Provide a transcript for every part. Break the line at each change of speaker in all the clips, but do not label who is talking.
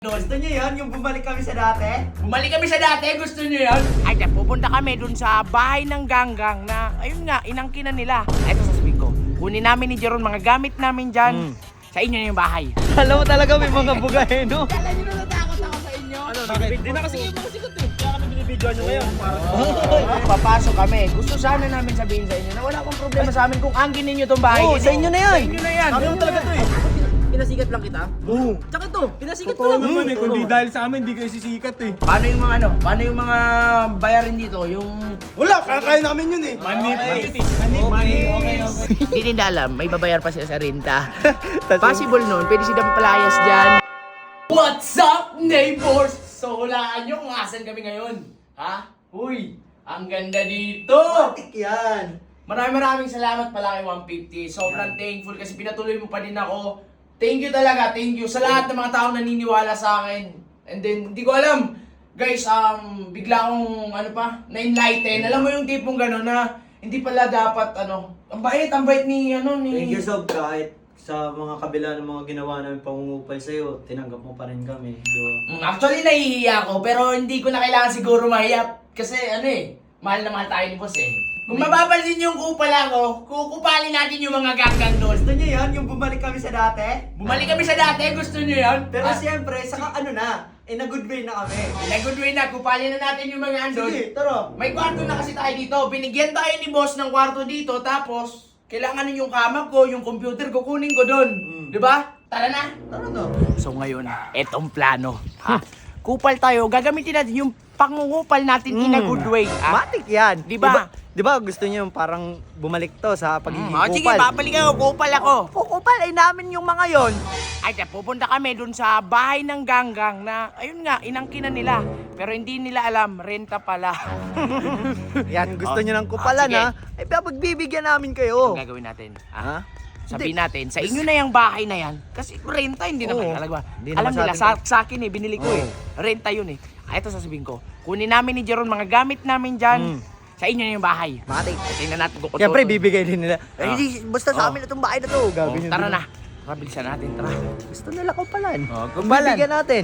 Gusto nyo yun? Yung bumalik kami sa dati?
Bumalik kami sa dati, gusto niyo yun? Ay, pupunta kami dun sa bahay ng ganggang na, ayun nga, inangkinan nila. Ito sasabihin ko, kunin namin ni Jeron mga gamit namin dyan. Sa inyo na yung bahay.
Alam mo talaga may mga bugay, no?
Kala nyo na natakot ako sa inyo?
Ano, hindi na kasi yung mga sikat eh. Kaya kami binibidyoan nyo ngayon.
Papasok kami. Gusto sana namin sabihin sa inyo na wala akong problema sa amin kung angkin ninyo tong bahay.
Oo, sa inyo na yan.
Sa inyo na yan.
Sabi mo talaga to eh.
Pinasikat lang kita?
Oo.
Tsaka to, pinasikat ko
Totoo
lang.
naman eh. Kundi dahil sa amin, hindi kayo sisikat eh.
Paano yung mga ano? Paano yung mga bayarin dito? Yung
Wala, kaya namin yun eh. Manip.
hindi nila alam, may babayar pa sila sa renta. Possible nun, pwede sila palayas dyan. What's up, neighbors? So, hulaan nyo kung asan kami ngayon. Ha? Uy, ang ganda dito!
Matik yan!
Maraming salamat pala kay 150. Sobrang thankful kasi pinatuloy mo pa din ako. Thank you talaga, thank you sa lahat ng mga taong naniniwala sa akin. And then, hindi ko alam. Guys, bigla akong, na-enlighten. Alam mo yung tipong gano'n na hindi pala dapat, ang bait ni,
Thank you, Sob. Kahit sa mga kabila ng mga ginawa namin pangungupal sa'yo, tinanggap mo pa rin kami.
Actually, nahihiya ako, pero hindi ko na kailangan siguro mahiya. Kasi, mahal na mahal tayo ni boss eh. Kung mapapansin niyo yung kupal ako, kukupalin natin yung mga ganggang doon.
Gusto nyo yun? Yung bumalik kami sa dati?
Bumalik kami sa dati, gusto niyo yun?
Pero siyempre, saka in a good way na kami.
In a good way na, kupalin na natin yung mga andon.
Sige, tara.
May kwarto na kasi tayo dito. Binigyan tayo ni boss ng kwarto dito, tapos kailangan yung kamag ko, yung computer ko, kunin ko doon. Di ba? Tara na.
Tara na.
So ngayon, etong plano. Ha? Kupal tayo, gagamitin natin yung pangungupal natin in a good way.
Matik yan.
Di ba?
Di ba gusto niyo yung parang bumalik to sa pagiging
Sige,
kupal?
babalikan ko, kupal ako.
Kukupal ay namin yung mga yon.
Ay, pupunta kami dun sa bahay ng ganggang na, ayun nga, inangkinan nila. Pero hindi nila alam, renta pala.
Yan, gusto
Oh.
niyo ng kupalan
Sige.
ha? Ay, pagbibigyan namin kayo.
Ang gagawin natin.
Ha?
Sabihin natin, sa inyo na yung bahay na yan. Kasi renta, hindi naman
Oo.
talaga.
Hindi
Alam
naman
nila, sa akin binili ko eh. Renta yun eh. Ito sasabihin ko, kunin namin ni Jeron mga gamit namin dyan. Sa inyo na yung bahay.
Matik.
Tingnan natin kung
Siyempre, bibigay din nila.
Ah.
Ay, basta sa amin na itong bahay na to. Gagawin
Tara
din.
na. Tara, bilisan natin, tara.
Gusto nila kupalan.
kumpalan.
Bibigyan natin.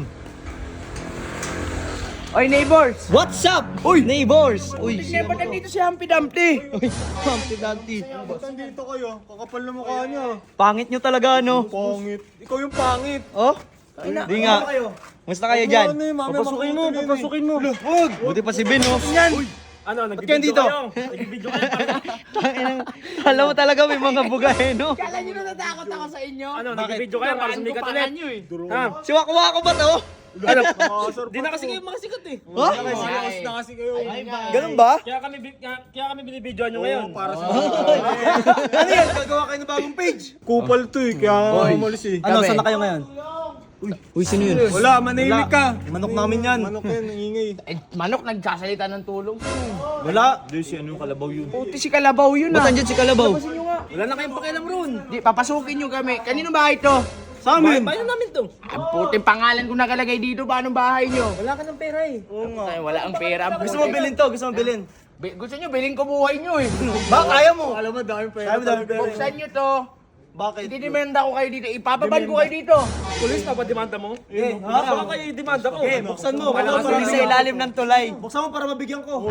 Oy, neighbors!
What's up? Uy, neighbors! Uy,
Tingnan ba nandito si Humpty Dumpty?
Uy, Humpty Dumpty.
Ba't nandito kayo? Kakapal na mukha niya.
Pangit nyo talaga, ano?
Pangit. Ikaw yung pangit.
Oh? Di nga. Musta kayo dyan?
Ano eh, mamaya papasukin mo.
Huwag! Buti pa si Ben, oh.
Ano,
dito?
nagbibidyo kayo? Nagbibidyo kayo.
Tanginang, alam mo talaga may mga bugay, no?
Kala nyo na natakot ako sa inyo?
Ano, nagbibidyo kayo para sumikat ulit.
nyo eh.
Ha?
Si Wako ba to?
Ano? Di na kasi kayo mga sikat eh.
Ha?
Serious na kasi kayo.
Ganun ba?
Kaya kami binibidyoan nyo ngayon. Para sa
Ano yan? Gagawa kayo ng bagong page?
kupal to eh, kaya umalis eh.
Ano, saan na kayo ngayon? Uy, sino yun?
Wala, manahimik ka.
Manok namin yan.
Manok yan, ingay.
Manok nagsasalita ng tulong.
Wala.
Di si ano yung kalabaw yun.
Puti si Kalabaw yun
Ba't andyan si Kalabaw?
Wala na kayong pakialam ron.
Di, papasukin nyo kami. Kanino bahay to?
Sa amin.
Bayan namin to.
Ang puting pangalan ko nakalagay dito. Paano bahay nyo?
Wala ka ng pera eh.
Ay, wala ang pera.
Gusto mo bilhin to? Gusto mo bilhin?
Gusto nyo, bilhin ko buhay nyo eh.
Ba, kaya mo?
Alam mo, daming pera.
Buksan nyo to.
Bakit?
Didimenda ko kayo dito. Ipapaban ko kayo dito.
Pulis pa ba demanda mo? Baka kayo demanda ko.
Buksan mo.
Wala
Wala
ka
sa ilalim ng tulay.
Buksan mo para mabigyan ko.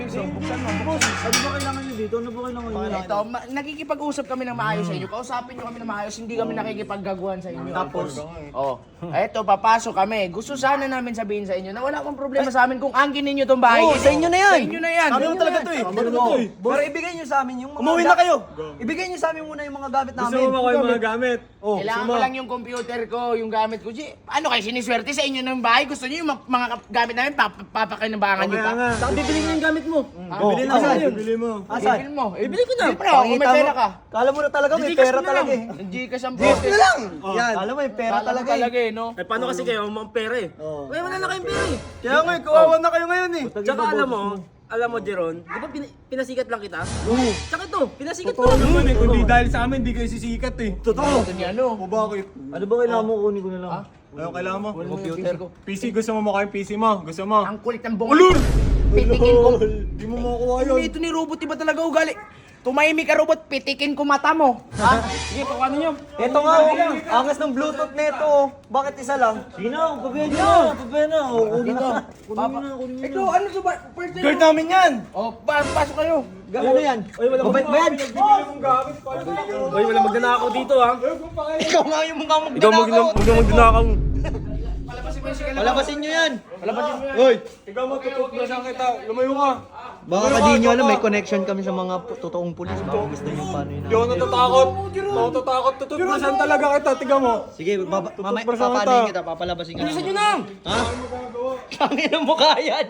Ano ba kailangan nyo dito? Ano ba kailangan nyo?
Ito, nakikipag-usap kami ng maayos sa inyo. Kausapin nyo kami ng maayos. Hindi kami nakikipaggaguhan sa inyo.
Tapos?
Eto, papasok kami. Gusto sana namin sabihin sa inyo na wala akong problema sa amin kung angkin ninyo tong bahay.
Oo, sa inyo na yan.
Sa inyo na yan.
Sabi mo talaga to eh.
Pero ibigay nyo sa amin yung mga...
Umuwi na kayo.
Ibigay nyo sa amin muna yung mga gamit
Gusto
namin.
mo ba kayo mga gamit?
Kailangan ko lang yung computer ko, yung gamit ko. Ano kayo, siniswerte sa inyo ng bahay? Gusto niyo yung mga gamit namin, papakinabangan niyo pa?
Saan bibili mo yung gamit mo?
Bibili na.
Asan?
Bibili mo.
Bibili mo.
Bibili ko na.
Siyempre, kung may
Pakita
pera
mo.
ka.
Kala mo na talaga may
Gcash
pera
mo na
talaga
lang.
eh.
Gcash ang
Gcash na lang!
Oh.
Yan. Kala mo may pera
Kala mo
talaga
talaga
eh.
eh, no?
Eh, paano kasi kayo mga pera eh? Kaya wala na kayong pera eh.
Kaya nga, kawawa na kayo ngayon eh.
Tsaka alam mo Jeron, di ba pinasikat lang kita?
Oo.
Tsaka ito, pinasikat ko
Totoo
lang.
naman
eh, kundi dahil sa amin, di kayo sisikat eh.
Totoo.
Ito ni ano?
O bakit?
Ano ba kailangan mo? Kunin ko na lang.
Ano kailangan mo?
Computer ko.
PC, gusto mo mukha yung PC mo? Gusto mo?
Ang kulit ng bunga.
Ulur!
Pitikin ko.
Di mo makukuha yun.
Ito ni robot, iba talaga ugali. tumahimik ka robot, pitikin ko mata mo. Ha?
Sige, paano nyo?
Ito nga, oh. Angas ng Bluetooth nito, oh. Bakit isa lang?
Sino? Pabayan na! Pabayan na!
Dito. Ito, ano to ba? First time
Guard
mo?
namin yan!
Oh, pasok kayo.
Ano yan? Mabait ba yan?
Hoy, wala magnanakaw dito ha.
Ikaw nga yung mukha mong
Ikaw magnanakaw.
Palabasin mo yung sigala.
Palabasin nyo yan!
Palabasin mo yan.
Hoy!
Ikaw matututlasan kita. Lumayo ka.
Baka di nyo alam, may connection kami sa mga totoong pulis. Baka gusto nyo paano yun.
Hindi ako natatakot. Hindi ako natatakot. Tututlasan talaga kita. Tiga mo.
Sige, mamaya
Tutuprasan
papanayin
kita.
kita, papalabasin ka
Bilisan
namin.
nyo na!
Ha? Tangin ang mukha yan!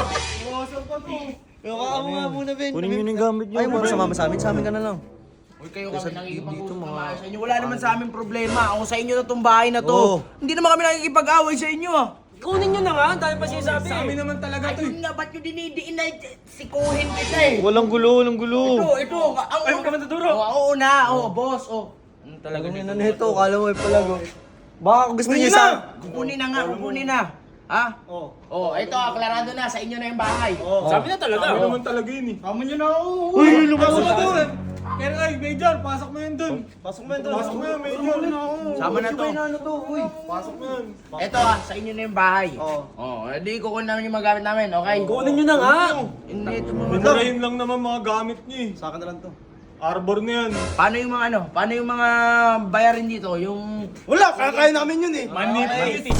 Mukha mo nga muna, Ben.
Kunin nyo yung gamit nyo.
Ayaw mo ba sumama sa amin ka na lang.
Uy, kayo kami nakikipag-usap naman sa inyo. Wala naman sa amin problema. Ako sa inyo na tong bahay na to.
Oo.
Hindi naman kami nakikipag-away sa inyo ah.
Kunin nyo na nga. Dahil pa sinasabi. Sa amin naman talaga to.
Ayun nga, ba't nyo dinidiin na sikuhin kita eh?
Walang gulo, walang gulo.
Ito. Ang
Ayaw ka matuturo.
Oo na, boss.
Talagang yun na nito, kala mo ay palago. Baka gusto niyo sa...
Kukunin na. Ha? Oo. Ito, aklarado na. Sa inyo na yung bahay.
Sabi na talaga.
Kami naman talaga yun eh.
Kamo nyo na.
Uy, lumabas
Pasok
na
mo
to!
dun! Kaya ay, Major, pasok mo yun dun! Pasok mo yun dun! Pasok mo yun, Major!
Sama na to.
Ano to, uy?
Pasok mo yun!
Ito sa inyo na yung bahay. Oo. Di kukunin namin yung magamit namin, okay?
Kunin nyo na nga.
Hindi, ito mo.
Minarahin lang naman mga gamit niyo eh.
Sa akin na lang to.
Arbor na yan.
Paano yung mga ano? Paano yung mga bayarin dito? Yung...
Wala, kakain namin yun eh.
Manipulate!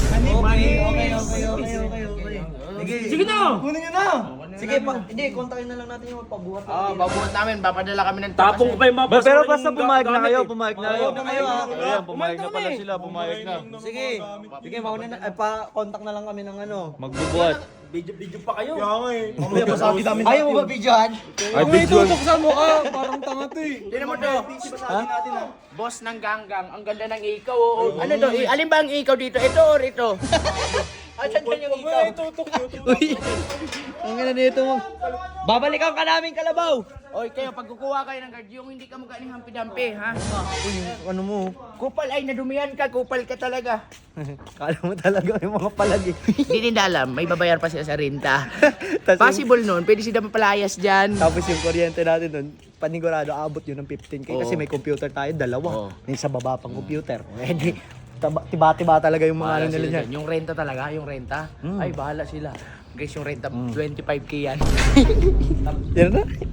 Okay. Sige na! Kunin nyo na! Sige, hindi, kontakin na lang natin yung magpabuhat.
Babuhat namin. Papadala kami ng
Tapong ko pa yung mga
Pero
basura
basta
yung
pumayag na
gamit
kayo,
eh.
pumayag na kayo. Kayo ha.
Ayan, pumayag na pala sila, pumayag na.
Sige, sige, mauna na, pa-contact na lang kami ng ano.
Magbubuhat.
Video pa kayo.
Kaya nga eh.
Mamaya pasabi namin. Ayaw mo ba videohan?
Ay, video. Tutok mo ka! Parang tanga to eh.
Tignan mo to. Boss ng ganggang. Ang ganda ng ikaw. Ano to? Alin ba ang ikaw dito? Ito or ito? Asan ba yung ikaw?
Ay, tutok yun.
Uy, ang ina nito mo. Babalikan ka namin, Kalabaw.
Oy, kayo, pag kukuha kayo ng guard, yung hindi ka magaling hampi-dampi, ha?
Uy, ano mo?
Kupal ay nadumihan ka, kupal ka talaga.
Kala mo talaga yung mga palagi.
Hindi nila alam, may babayar pa sila sa renta.
Tas yung-
Possible nun, pwede sila mapalayas dyan.
Tapos yung kuryente natin doon, panigurado abot yun ng 15K kasi
Oo.
may computer tayo, dalawa.
Oo.
May sa baba pang computer. Eh di, tiba-tiba talaga yung mga ano
Bahala
nila
sila
niya.
dyan. Yung renta talaga, yung renta. Ay, bahala sila. Guys, yung renta, 25K yan.
Yan na?